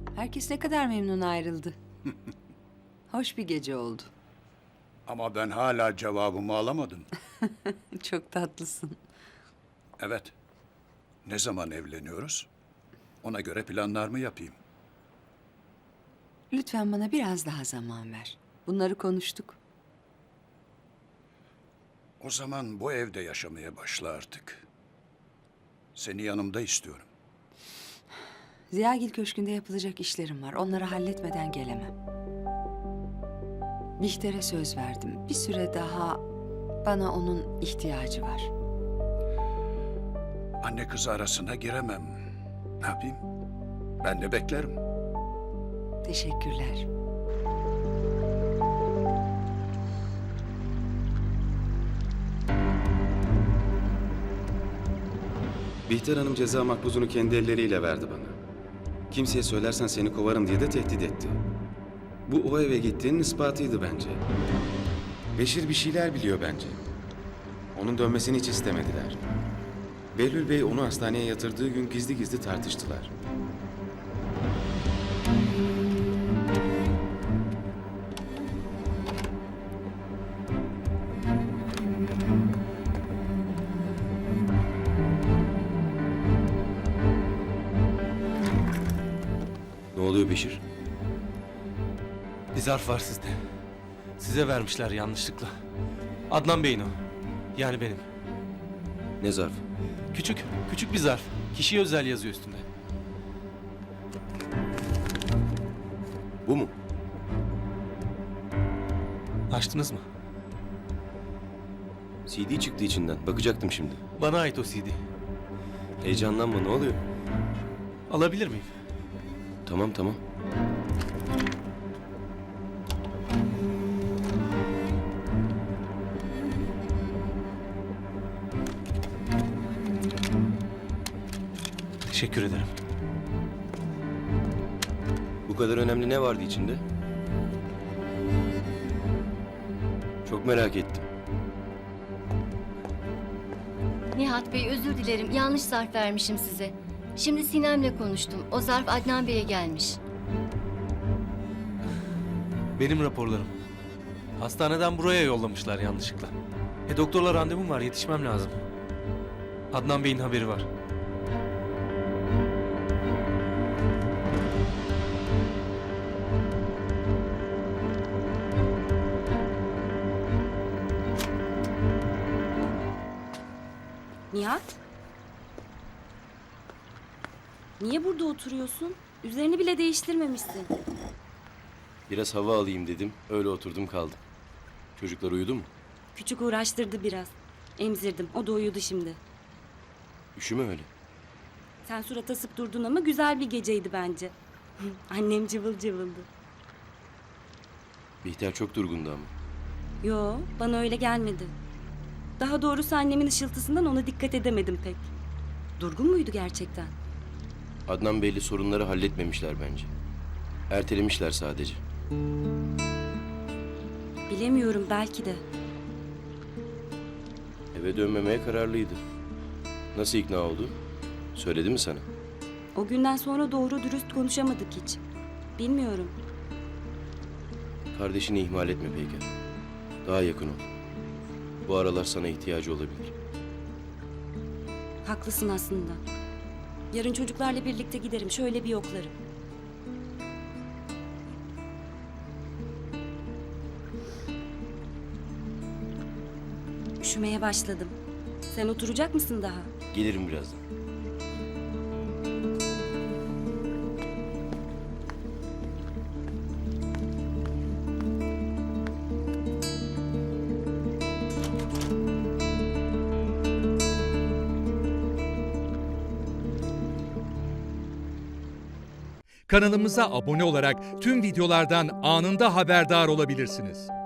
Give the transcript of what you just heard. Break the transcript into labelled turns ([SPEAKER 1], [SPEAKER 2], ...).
[SPEAKER 1] Herkes ne kadar memnun ayrıldı. Hoş bir gece oldu.
[SPEAKER 2] Ama ben hala cevabımı alamadım.
[SPEAKER 1] Çok tatlısın.
[SPEAKER 2] Evet. Ne zaman evleniyoruz? Ona göre planlar mı yapayım?
[SPEAKER 1] Lütfen bana biraz daha zaman ver. Bunları konuştuk.
[SPEAKER 2] O zaman bu evde yaşamaya başla artık. Seni yanımda istiyorum.
[SPEAKER 1] Ziyagil Köşkü'nde yapılacak işlerim var. Onları halletmeden gelemem. Bihter'e söz verdim. Bir süre daha bana onun ihtiyacı var.
[SPEAKER 2] Anne kız arasına giremem. Ne yapayım? Ben de beklerim.
[SPEAKER 1] Teşekkürler.
[SPEAKER 3] Bihter Hanım ceza makbuzunu kendi elleriyle verdi bana. Kimseye söylersen seni kovarım diye de tehdit etti. Bu o eve gittiğinin ispatıydı bence. Beşir bir şeyler biliyor bence. Onun dönmesini hiç istemediler. Behlül Bey onu hastaneye yatırdığı gün gizli gizli tartıştılar.
[SPEAKER 4] Ne oluyor Beşir?
[SPEAKER 5] Bir zarf var sizde. Size vermişler yanlışlıkla. Adnan Bey'in o. Yani benim.
[SPEAKER 4] Ne zarf?
[SPEAKER 5] Küçük bir zarf. Kişiye özel yazıyor üstünde.
[SPEAKER 4] Bu mu?
[SPEAKER 5] Açtınız mı?
[SPEAKER 4] CD çıktı içinden. Bakacaktım şimdi.
[SPEAKER 5] Bana ait o CD.
[SPEAKER 4] Heyecanlanma, ne oluyor?
[SPEAKER 5] Alabilir miyim?
[SPEAKER 4] Tamam tamam.
[SPEAKER 5] Teşekkür ederim.
[SPEAKER 4] Bu kadar önemli ne vardı içinde? Çok merak ettim.
[SPEAKER 6] Nihat Bey, özür dilerim. Yanlış zarf vermişim size. Şimdi Sinem'le konuştum. O zarf Adnan Bey'e gelmiş.
[SPEAKER 5] Benim raporlarım. Hastaneden buraya yollamışlar yanlışlıkla. Doktorla randevum var, yetişmem lazım. Adnan Bey'in haberi var.
[SPEAKER 7] Nihat? Niye burada oturuyorsun? Üzerini bile değiştirmemişsin.
[SPEAKER 4] Biraz hava alayım dedim. Öyle oturdum kaldım. Çocuklar uyudu mu?
[SPEAKER 7] Küçük uğraştırdı biraz. Emzirdim. O da uyudu şimdi.
[SPEAKER 4] Üşüme öyle.
[SPEAKER 7] Sen surat asıp durdun ama güzel bir geceydi bence. Annem cıvıl cıvıldı.
[SPEAKER 4] Bihter çok durgundu ama.
[SPEAKER 7] Yo, bana öyle gelmedi. Daha doğrusu annemin ışıltısından ona dikkat edemedim pek. Durgun muydu gerçekten?
[SPEAKER 4] Adnan Bey'le sorunları halletmemişler bence. Ertelemişler sadece.
[SPEAKER 7] Bilemiyorum, belki de.
[SPEAKER 4] Eve dönmemeye kararlıydı. Nasıl ikna oldu? Söyledi mi sana?
[SPEAKER 7] O günden sonra doğru dürüst konuşamadık hiç. Bilmiyorum.
[SPEAKER 4] Kardeşini ihmal etme Peyker. Daha yakın ol. Bu aralar sana ihtiyacı olabilir.
[SPEAKER 7] Haklısın aslında. Yarın çocuklarla birlikte giderim. Şöyle bir yoklarım. Üşümeye başladım. Sen oturacak mısın daha?
[SPEAKER 4] Gelirim birazdan.
[SPEAKER 8] Kanalımıza abone olarak tüm videolardan anında haberdar olabilirsiniz.